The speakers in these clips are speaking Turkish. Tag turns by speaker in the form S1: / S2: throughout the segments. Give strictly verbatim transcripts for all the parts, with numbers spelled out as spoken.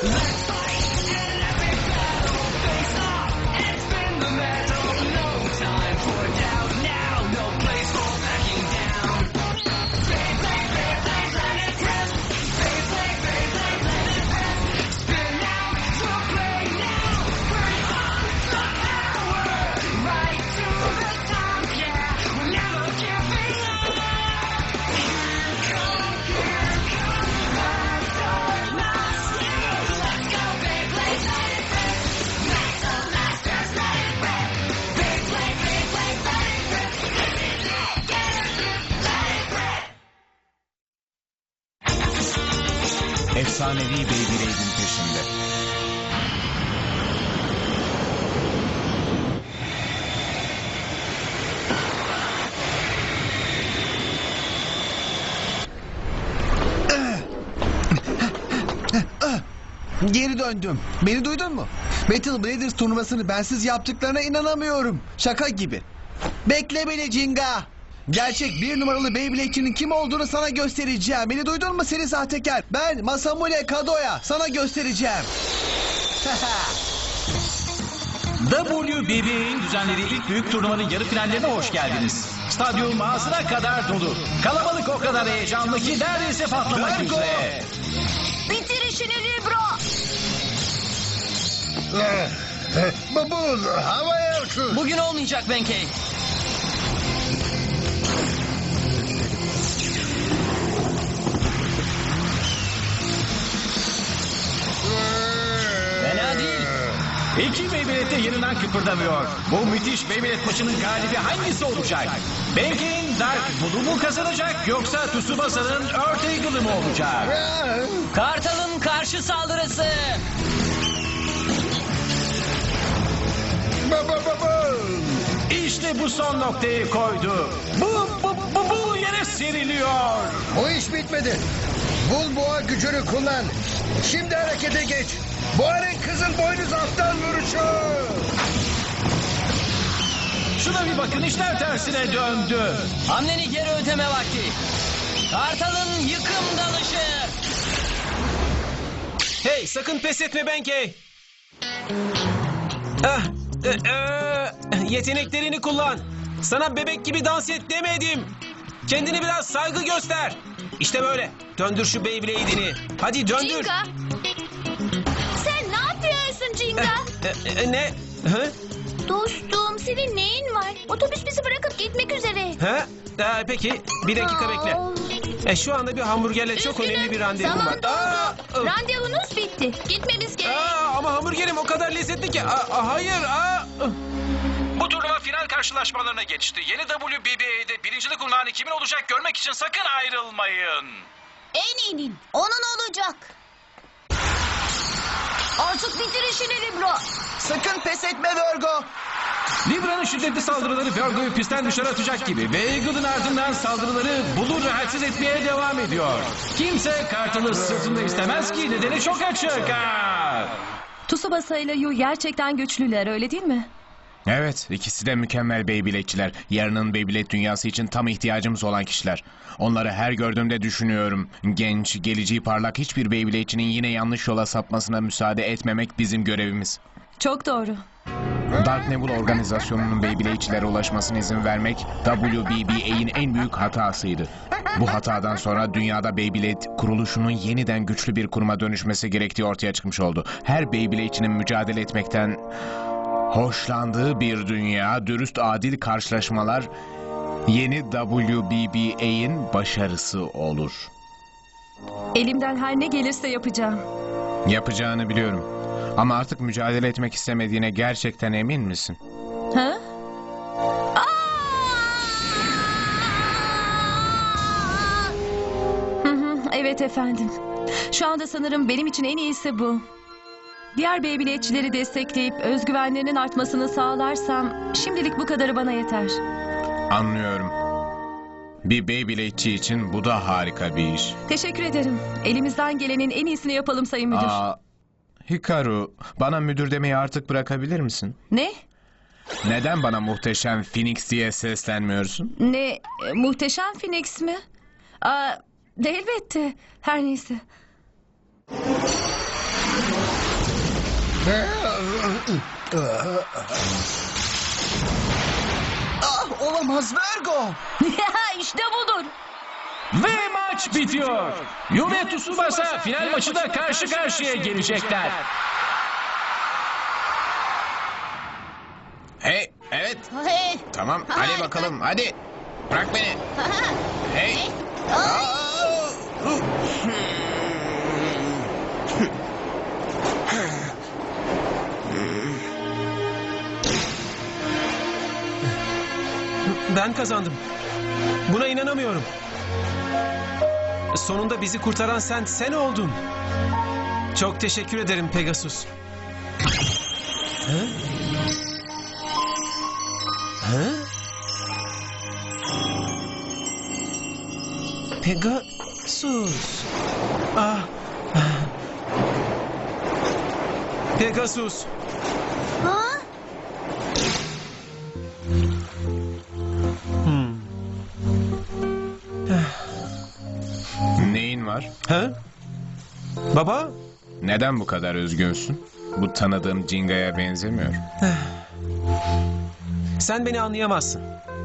S1: Efsanevi Beyblade'in peşinde.
S2: Geri döndüm. Beni duydun mu? Battle Bladers turnuvasını bensiz yaptıklarına inanamıyorum. Şaka gibi. Bekle beni Jinga. Gerçek bir numaralı Beyblade'çinin kim olduğunu sana göstereceğim. Beni duydun mu seni sahtekar? Ben Masamune Kadoya. Sana göstereceğim.
S3: W B B A'nin düzenlediği ilk büyük turnuvanın yarı finallerine hoş geldiniz. Stadyum ağzına kadar dolu. Kalabalık o kadar heyecanlı ki neredeyse patlamak
S2: Virgo!
S3: üzere.
S4: Bitir işini Libro.
S5: Babul havaya uçur.
S6: Bugün olmayacak Benkei. Fena değil.
S3: İki Beyblade de yerinden kıpırdamıyor. Bu müthiş Beyblade maçının galibi hangisi olacak? Benkei'nin Dark Blue mu kazanacak yoksa Tsubasa'nın Earth Eagle'ı mı olacak?
S6: Kartal'ın karşı saldırısı.
S5: Baba baba.
S3: İşte bu son noktayı koydu. Bu, bu, bu, bu yere seriliyor.
S5: Bu iş bitmedi. Bul boğa gücünü kullan. Şimdi harekete geç. Boğanın kızıl boynuz alttan vuruşu.
S3: Şuna bir bakın, işler tersine döndü.
S6: Hamleni geri ödeme vakti. Kartal'ın yıkım dalışı.
S7: Hey, sakın pes etme Benkei. Ah, e, e, yeteneklerini kullan. Sana bebek gibi dans et demedim. Kendine biraz saygı göster. İşte böyle. Döndür şu Beyblade'ini. Hadi döndür.
S4: Jinga. Sen ne yapıyorsun Jinga?
S7: E, e, ne? Hı?
S4: Dostum senin neyin var? Otobüs bizi bırakıp gitmek üzere.
S7: Ha? Aa, peki, bir dakika bekle.
S4: Aa,
S7: E, şu anda bir hamburgerle çok
S4: üzgünüm.
S7: önemli bir randevum
S4: Zaman
S7: var.
S4: doldu.
S7: Aa, ı,
S4: Randevunuz bitti. Gitmemiz gerek.
S7: aa, ama hamburgerim o kadar lezzetli ki. Aa, aa, hayır. Aa, ı.
S3: Bu turnuva final karşılaşmalarına geçti. Yeni W B B A'de birincilik unvanı kimin olacak görmek için sakın ayrılmayın.
S4: Eminim onun olacak. Artık bitir işini Libro.
S2: Sakın pes etme Virgo.
S3: Libra'nın şiddetli saldırıları Virgo'yu pistten dışarı atacak gibi ve Eagle'ın ardından saldırıları Bull'u rahatsız etmeye devam ediyor. Kimse Kartal'ı sırtında istemez ki, nedeni çok açık. Ha!
S8: Tsubasa ile Yu gerçekten güçlüler, öyle değil mi?
S1: Evet, ikisi de mükemmel Beyblade'çiler. Yarının Beyblade dünyası için tam ihtiyacımız olan kişiler. Onları her gördüğümde düşünüyorum. Genç, geleceği parlak hiçbir Beyblade'çinin yine yanlış yola sapmasına müsaade etmemek bizim görevimiz.
S8: Çok doğru.
S1: Dark Nebula organizasyonunun Beyblade'çilere ulaşmasına izin vermek W B B A'nin en büyük hatasıydı. Bu hatadan sonra dünyada Beyblade kuruluşunun yeniden güçlü bir kuruma dönüşmesi gerektiği ortaya çıkmış oldu. Her Beyblade'çinin mücadele etmekten hoşlandığı bir dünya, dürüst adil karşılaşmalar yeni W B B A'nin başarısı olur.
S8: Elimden her ne gelirse yapacağım.
S1: Yapacağını biliyorum. Ama artık mücadele etmek istemediğine gerçekten emin misin?
S8: Ha? Hı hı, evet efendim. Şu anda sanırım benim için en iyisi bu. Diğer Beyblade'çileri destekleyip özgüvenlerinin artmasını sağlarsam şimdilik bu kadarı bana yeter.
S1: Anlıyorum. Bir Beyblade'çi için bu da harika bir iş.
S8: Teşekkür ederim. Elimizden gelenin en iyisini yapalım Sayın Müdür.
S1: Aa, Hikaru, bana müdür demeyi artık bırakabilir misin?
S8: Ne?
S1: Neden bana muhteşem Phoenix diye seslenmiyorsun?
S8: Ne? E, muhteşem Phoenix mi? Aa, elbette. Her neyse.
S2: Ah, olamaz Virgo.
S8: işte budur.
S3: Ve maç bitiyor. Yume Tsubasa final maçında karşı karşıya gelecekler.
S1: Hey, evet.
S4: Hey.
S1: Tamam, hadi bakalım, hadi. Bırak beni. Hey.
S7: Ben kazandım. Buna inanamıyorum. Sonunda bizi kurtaran sen, sen oldun. Çok teşekkür ederim Pegasus. Ha? Ha? Pegasus. Ah. Pegasus.
S4: Ha?
S1: Neyin var?
S7: Ha? Baba?
S1: Neden bu kadar üzgünsün? Bu tanıdığım Jinga'ya benzemiyor.
S7: Sen beni anlayamazsın.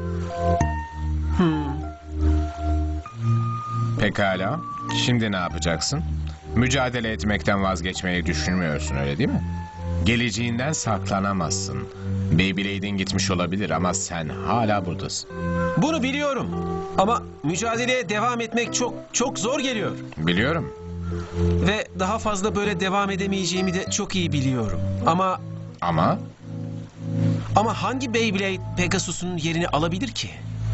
S1: Pekala. Şimdi ne yapacaksın? Mücadele etmekten vazgeçmeyi düşünmüyorsun, öyle değil mi? Geleceğinden saklanamazsın. Beyblade'in gitmiş olabilir ama sen hala buradasın.
S7: Bunu biliyorum. Ama mücadeleye devam etmek çok çok zor geliyor.
S1: Biliyorum.
S7: Ve daha fazla böyle devam edemeyeceğimi de çok iyi biliyorum. Ama
S1: Ama
S7: ama hangi Beyblade Pegasus'un yerini alabilir ki?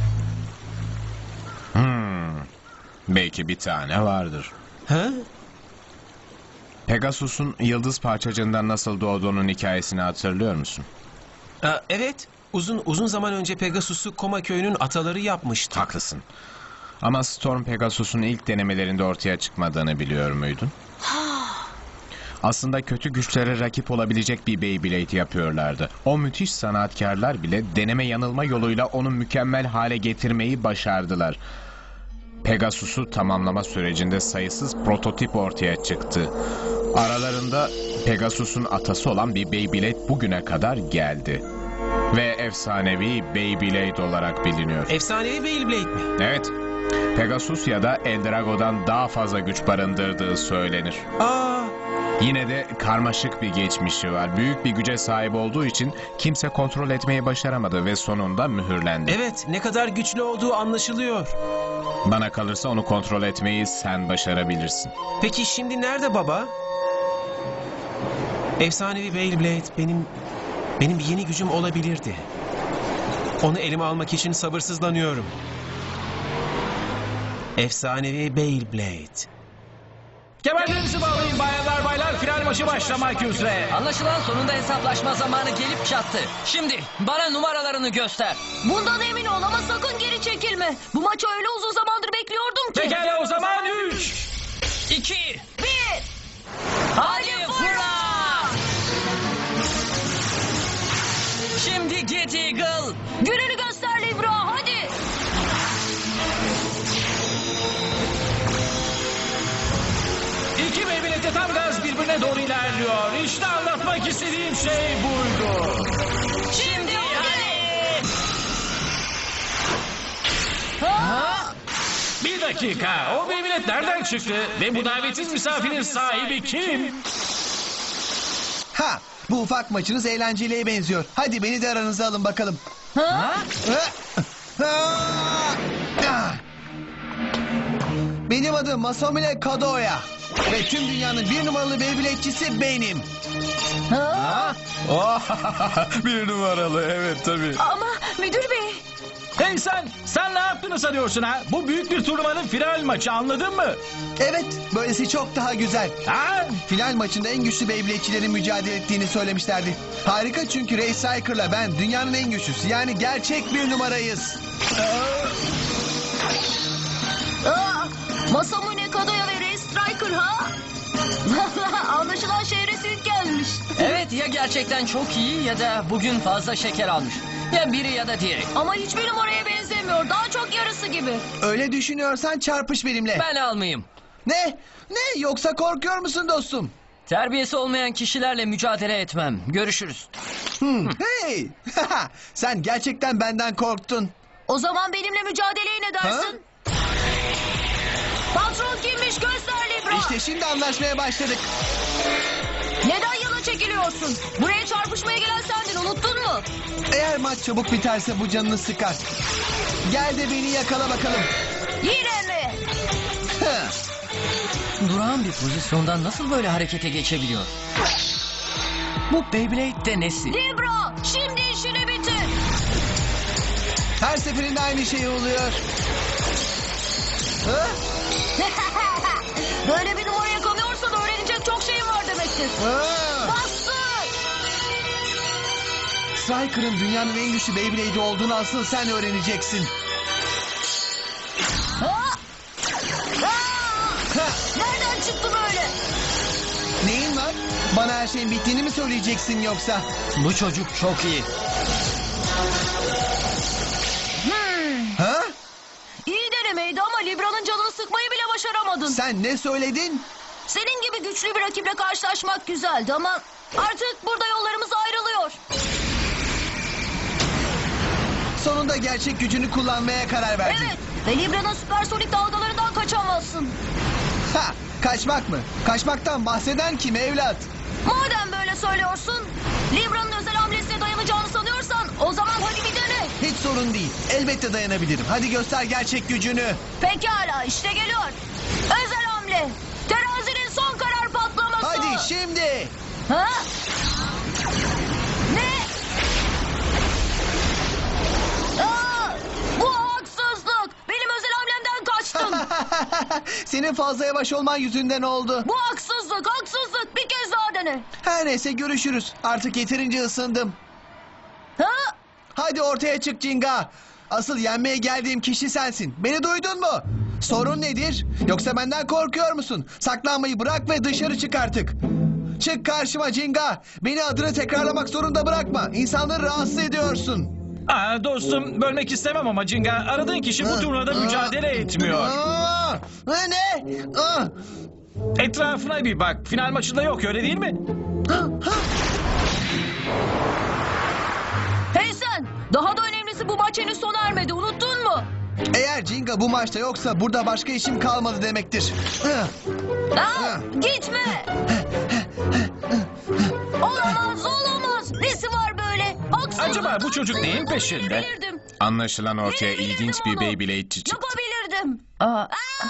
S1: hmm, belki bir tane vardır.
S7: Ha?
S1: Pegasus'un yıldız parçacığından nasıl doğduğunun hikayesini hatırlıyor musun?
S7: Aa, evet. Uzun uzun zaman önce Pegasus'u Koma köyünün ataları yapmıştı.
S1: Haklısın. Ama Storm Pegasus'un ilk denemelerinde ortaya çıkmadığını biliyor muydun? Aslında kötü güçlere rakip olabilecek bir Beyblade yapıyorlardı. O müthiş sanatkarlar bile deneme yanılma yoluyla onu mükemmel hale getirmeyi başardılar. Pegasus'u tamamlama sürecinde sayısız prototip ortaya çıktı. Aralarında Pegasus'un atası olan bir Beyblade bugüne kadar geldi. Ve efsanevi Beyblade olarak biliniyor.
S7: Efsanevi Beyblade mi?
S1: Evet, Pegasus ya da Eldrago'dan daha fazla güç barındırdığı söylenir.
S7: Aa,
S1: Yine de karmaşık bir geçmişi var. Büyük bir güce sahip olduğu için kimse kontrol etmeyi başaramadı ve sonunda mühürlendi.
S7: evet. Ne kadar güçlü olduğu anlaşılıyor.
S1: Bana kalırsa onu kontrol etmeyi sen başarabilirsin.
S7: Peki şimdi nerede baba? Efsanevi Beyblade benim benim bir yeni gücüm olabilirdi. Onu elime almak için sabırsızlanıyorum. Efsanevi Beyblade.
S3: Kemerlerinizi bağlayın bayanlar baylar, final maçı başlamak üzere.
S6: Anlaşılan sonunda hesaplaşma zamanı gelip çattı. Şimdi bana numaralarını göster.
S8: Bundan emin ol ama sakın geri çekilme. Bu maçı öyle uzun zamandır bekliyordum ki.
S3: Pekala o zaman üç.
S6: İki.
S8: Bir.
S6: Hadi fırla! Şimdi Get Eagle.
S8: Gününü göster Libra hadi.
S3: İki Beyblade'de tam gaz birbirine doğru ilerliyor. İşte anlatmak istediğim şey buydu.
S6: Şimdi hadi.
S3: Bir dakika, o Beyblade nereden çıktı? Ve bu davetsiz misafirin sahibi kim?
S2: Ha, bu ufak maçınız eğlenceliye benziyor. Hadi beni de aranıza alın bakalım.
S8: Ha?
S2: Benim adım Masamune Kadoya. Ve tüm dünyanın bir numaralı Beyblade'cisi benim.
S8: Ha?
S1: Bir numaralı, evet tabii.
S8: Ama müdür bey.
S3: Hey sen, sen ne yaptığını sanıyorsun ha? Bu büyük bir turnuvanın final maçı, anladın mı?
S2: Evet, böylesi çok daha güzel.
S3: Ha?
S2: Final maçında en güçlü Beyblade'çilerin mücadele ettiğini söylemişlerdi. Harika çünkü Ray Cycler'la ben dünyanın en güçlüsü. Yani gerçek bir numarayız.
S8: Aa, Masamune Kadoya ve Ray Striker ha? Anlaşılan şehre süt gelmiş.
S6: Evet, ya gerçekten çok iyi ya da bugün fazla şeker almış. Ya biri ya da diğeri.
S8: Ama hiçbir numaraya benzemiyor. Daha çok yarısı gibi.
S2: Öyle düşünüyorsan çarpış benimle.
S6: Ben almayayım.
S2: Ne? Ne? Yoksa korkuyor musun dostum?
S6: Terbiyesi olmayan kişilerle mücadele etmem. Görüşürüz.
S2: Hmm, hey! Sen gerçekten benden korktun.
S4: O zaman benimle mücadeleye ne dersin? Patron kimmiş göster Libra.
S2: İşte şimdi anlaşmaya başladık.
S4: Neden yana çekiliyorsun? Buraya çarpışmaya gelen sendin, unuttun mu?
S2: Eğer maç çabuk biterse bu canını sıkar. Gel de beni yakala bakalım.
S4: Yine mi?
S2: Heh.
S6: Durağan bir pozisyondan nasıl böyle harekete geçebiliyor? Bu Beyblade de nesi?
S4: Libra, şimdi işini bitir.
S2: Her seferinde aynı şey oluyor. Ha?
S4: Böyle bir numara yakalıyorsan öğrenecek çok şeyin var demektir.
S2: Ha?
S4: Bastır.
S2: Striker'ın dünyanın en güçlü Beyblade'i olduğunu asıl sen öğreneceksin.
S4: Ha? Ha!
S2: Ha!
S4: Nereden çıktı böyle?
S2: Neyin var? Bana her şeyin bittiğini mi söyleyeceksin yoksa?
S6: Bu çocuk çok iyi.
S4: Hmm.
S2: Ha?
S4: İyi denemeydi ama Libra'nın canını sıkmayı bile başaramadın.
S2: Sen ne söyledin?
S4: Senin gibi güçlü bir rakiple karşılaşmak güzeldi ama artık burada yollarımız ayrılıyor.
S2: Sonunda gerçek gücünü kullanmaya karar verdin.
S4: Evet ve Libra'nın süpersonik dalgalarından kaçamazsın.
S2: Ha, kaçmak mı? Kaçmaktan bahseden kim evlat?
S4: Madem böyle söylüyorsun, Libra'nın özel hamlesine dayanacağını sanıyorsan o zaman hadi bir dene.
S2: Hiç sorun değil. Elbette dayanabilirim. Hadi göster gerçek gücünü.
S4: Pekala işte geliyor. Özel hamle. Terazinin son karar patlaması.
S2: Hadi şimdi.
S4: Ha? Ne? Aa, bu haksızlık. Benim özel hamlemden kaçtın.
S2: Senin fazla yavaş olman yüzünden oldu.
S4: Bu haksızlık, haksızlık. Bir kez daha dene.
S2: Her neyse görüşürüz. Artık yeterince ısındım.
S4: Ha?
S2: Hadi ortaya çık Cinga. Asıl yenmeye geldiğim kişi sensin. Beni duydun mu? Sorun nedir? Yoksa benden korkuyor musun? Saklanmayı bırak ve dışarı çık artık. Çık karşıma Cinga. Beni adını tekrarlamak zorunda bırakma. İnsanları rahatsız ediyorsun.
S3: Aa, dostum bölmek istemem ama Cinga aradığın kişi bu turnuvada mücadele etmiyor.
S2: Aa, ne? Aa,
S3: Etrafına bir bak. Final maçında yok öyle değil mi?
S4: Hey sen! Daha da önemlisi bu maç henüz sona ermedi. Unuttun mu?
S2: eğer Cinga bu maçta yoksa burada başka işim kalmadı demektir.
S4: Aa, gitme! Olamaz, olamaz. Nesi var böyle? Haksızlık.
S3: Acaba bu çocuk neyin peşinde?
S4: Yapabilirdim.
S1: Anlaşılan ortaya
S4: Verebilirdim
S1: ilginç bir
S4: onu.
S1: Beyblade'çi çıktı.
S4: Yapabilirdim.
S6: Aa,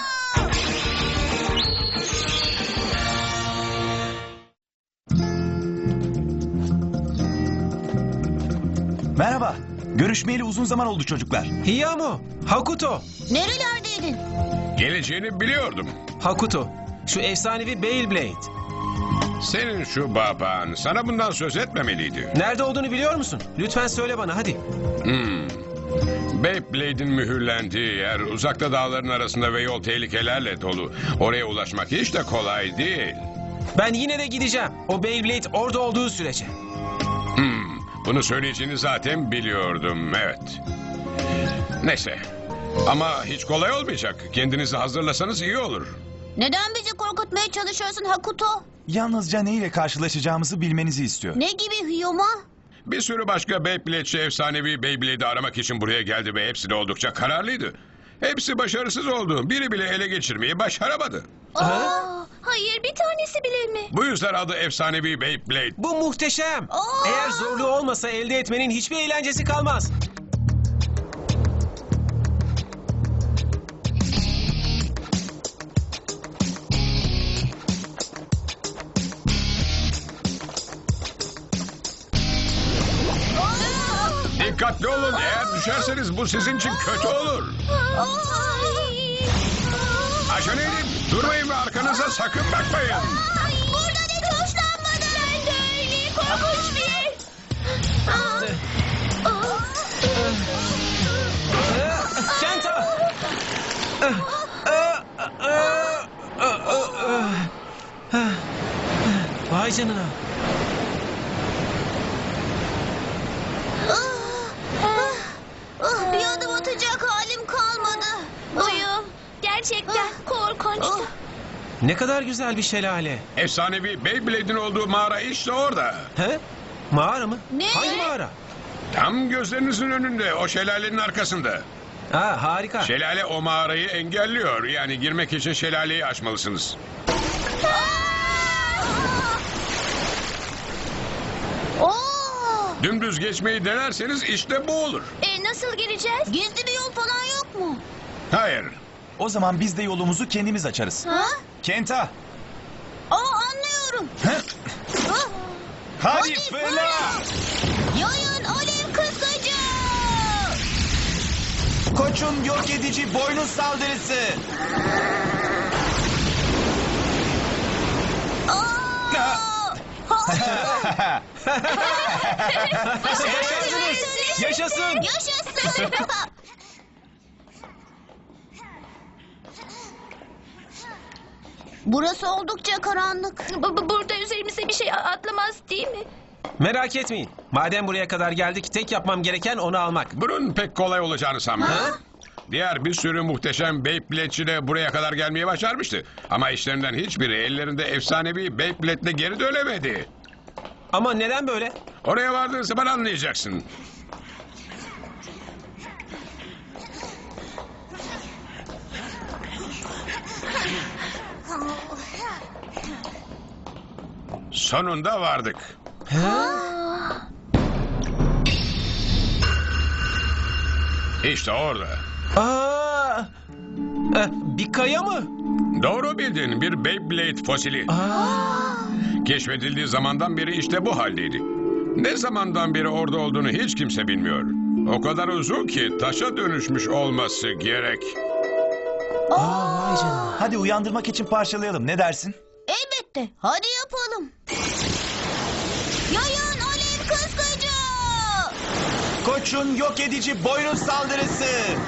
S9: Merhaba. Görüşmeyeli uzun zaman oldu çocuklar.
S7: Hiyamo, Hakuto.
S4: Nerelerdeydin?
S10: Geleceğini biliyordum.
S7: Hakuto, şu efsanevi Beyblade.
S10: Senin şu baban sana bundan söz etmemeliydi.
S7: Nerede olduğunu biliyor musun? Lütfen söyle bana hadi.
S10: Hmm. Beyblade'in mühürlendiği yer uzakta dağların arasında ve yol tehlikelerle dolu. Oraya ulaşmak hiç de kolay değil.
S7: Ben yine de gideceğim. O Beyblade orada olduğu sürece.
S10: Hmm. Bunu söyleyeceğini zaten biliyordum, evet. Neyse. Ama hiç kolay olmayacak. Kendinizi hazırlasanız iyi olur.
S4: Neden bizi korkutmaya çalışıyorsun Hakuto?
S9: Yalnızca ne ile karşılaşacağımızı bilmenizi istiyor.
S4: Ne gibi Hiyoma?
S10: Bir sürü başka Beyblade'çi efsanevi Beyblade'i aramak için buraya geldi ve hepsi de oldukça kararlıydı. Hepsi başarısız oldu. Biri bile ele geçirmeyi başaramadı.
S4: Aa, hayır bir tanesi bile mi?
S10: Bu yüzden adı efsanevi Beyblade.
S7: Bu muhteşem.
S4: Aa!
S7: Eğer zorluğu olmasa elde etmenin hiçbir eğlencesi kalmaz.
S10: Dikkatli olun. Eğer düşerseniz bu sizin için kötü olur.
S4: Ay.
S10: Acele edin. Durmayın ve arkanıza sakın bakmayın.
S4: Burada hiç hoşlanmadım. Ben de öyle korkunç bir.
S7: Kenta! Vay canına.
S4: Bir adım atacak halim kalmadı. Uyum. Gerçekten korkunçtu.
S7: Ne kadar güzel bir şelale.
S10: Efsanevi Beyblade'in olduğu mağara işte orada.
S7: He? Mağara mı?
S4: Ne?
S7: Hangi mağara?
S10: Tam gözlerinizin önünde, o şelalenin arkasında.
S7: Ha, harika.
S10: Şelale o mağarayı engelliyor. Yani girmek için şelaleyi aşmalısınız.
S4: Oo!
S10: Dümdüz geçmeyi denerseniz işte bu olur.
S4: E nasıl gireceğiz? Gizli bir yol falan yok mu?
S10: Hayır.
S9: O zaman biz de yolumuzu kendimiz açarız.
S4: Ha?
S9: Kenta.
S4: Aa anlıyorum.
S9: Hı?
S4: Ha?
S9: Hadi fırla.
S4: Yayın alev kıskacı.
S9: Koçun yok edici boynuz saldırısı.
S4: Aa! Ha!
S7: Yaşasınız. Yaşasın.
S4: Yaşasın. Burası oldukça karanlık. Burada üzerimize bir şey atlamaz değil mi?
S7: Merak etmeyin. Madem buraya kadar geldik, tek yapmam gereken onu almak.
S10: Bunun pek kolay olacağını sanmıyorum. Diğer bir sürü muhteşem Beyblade'çi de buraya kadar gelmeyi başarmıştı. Ama işlerinden hiçbiri ellerinde efsanevi Beyblade'le geri dönemedi.
S7: Ama neden böyle?
S10: Oraya vardığın zaman anlayacaksın. Sonunda vardık. İşte orada.
S7: Aa! Eh, bir kaya mı?
S10: Doğru bildin, bir Beyblade fosili. Keşfedildiği zamandan beri işte bu haldeydi. Ne zamandan beri orada olduğunu hiç kimse bilmiyor. O kadar uzun ki taşa dönüşmüş olması gerek.
S9: Aa, vay canına. Hadi uyandırmak için parçalayalım. Ne dersin?
S4: Elbette. Hadi yapalım. Yayın alev kıskacı.
S9: Koçun yok edici boynuz saldırısı.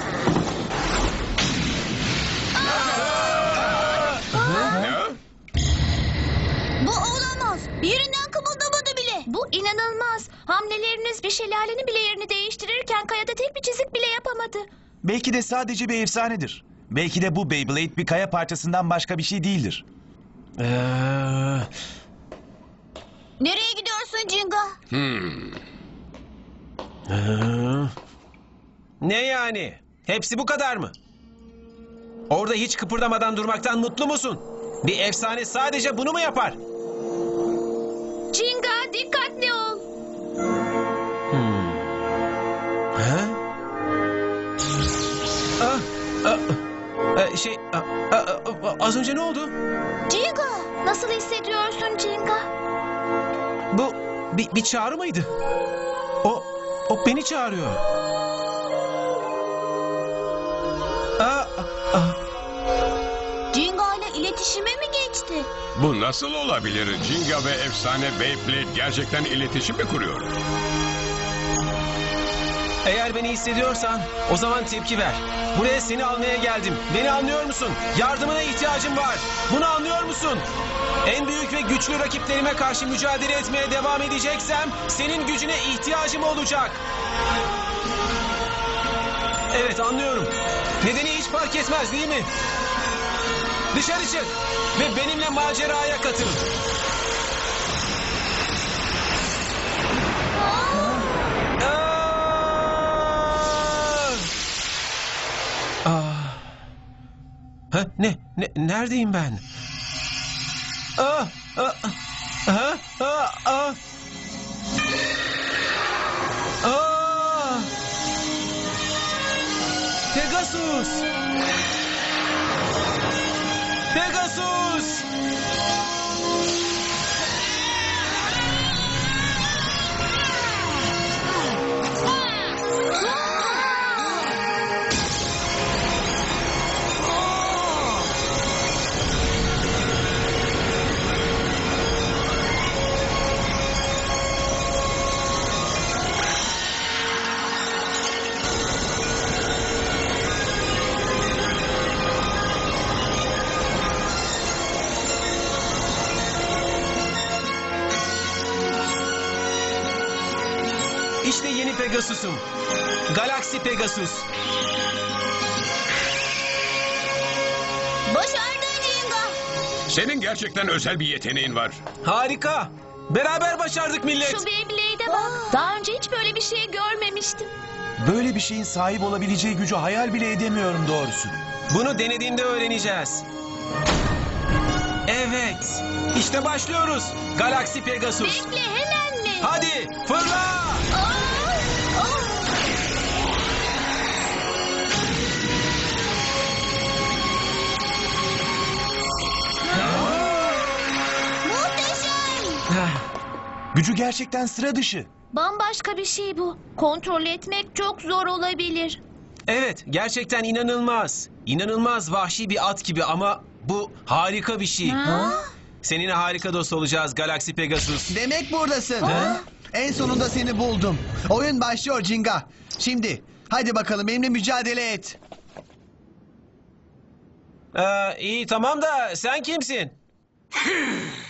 S10: Ne?
S4: Bu olamaz. Yerinden kımıldamadı bile. Bu inanılmaz. Hamleleriniz bir şelalenin bile yerini değiştirirken kayada tek bir çizik bile yapamadı.
S9: Belki de sadece bir efsanedir. Belki de bu Beyblade bir kaya parçasından başka bir şey değildir.
S7: Ee,
S4: Nereye gidiyorsun Cinga?
S10: Hmm.
S7: ee, ne yani? Hepsi bu kadar mı? Orada hiç kıpırdamadan durmaktan mutlu musun? Bir efsane sadece bunu mu yapar?
S4: Cinga dikkatli ol.
S7: Ha? Ah, ah, ah, şey, ah, ah, ah, az önce ne oldu?
S4: Cinga nasıl hissediyorsun Cinga?
S7: Bu bir, bir çağrı mıydı? O, o beni çağırıyor. Ah, ah,
S4: Cinga ile iletişime mi geçti?
S10: Bu nasıl olabilir? Jinga ve efsane Beyblade gerçekten iletişim mi kuruyor?
S7: eğer beni hissediyorsan o zaman tepki ver. Buraya seni almaya geldim. Beni anlıyor musun? Yardımına ihtiyacım var. Bunu anlıyor musun? En büyük ve güçlü rakiplerime karşı mücadele etmeye devam edeceksem senin gücüne ihtiyacım olacak. Evet, anlıyorum. Nedeni hiç fark etmez değil mi? Dışarı çık ve benimle maceraya katıl. Aa! Aa! Ha, ne, ne, neredeyim ben? Aa, aa, ha, aa, aa. Aa! Pegasus! Pegasus! İşte yeni Pegasus'um. Galaxy Pegasus.
S4: Başardın Cinga.
S10: Senin gerçekten özel bir yeteneğin var.
S7: Harika. Beraber başardık millet.
S4: Şu Beyblade'e bak. Daha önce hiç böyle bir şey görmemiştim.
S9: Böyle bir şeyin sahip olabileceği gücü hayal bile edemiyorum doğrusu.
S7: Bunu denediğinde öğreneceğiz. Evet. İşte başlıyoruz. Galaxy Pegasus.
S4: Bekle, hemen mi?
S7: Hadi fırla.
S4: Aa! Aa! Muhteşem.
S9: Gücü gerçekten sıra dışı.
S4: Bambaşka bir şey bu. Kontrol etmek çok zor olabilir.
S7: Evet, gerçekten inanılmaz. İnanılmaz vahşi bir at gibi ama bu harika bir şey. Seninle harika dost olacağız Galaxy Pegasus.
S2: Demek buradasın.
S7: Ha?
S2: En sonunda seni buldum. Oyun başlıyor Jinga. Şimdi hadi bakalım benimle mücadele et.
S7: Ee, iyi tamam da sen kimsin?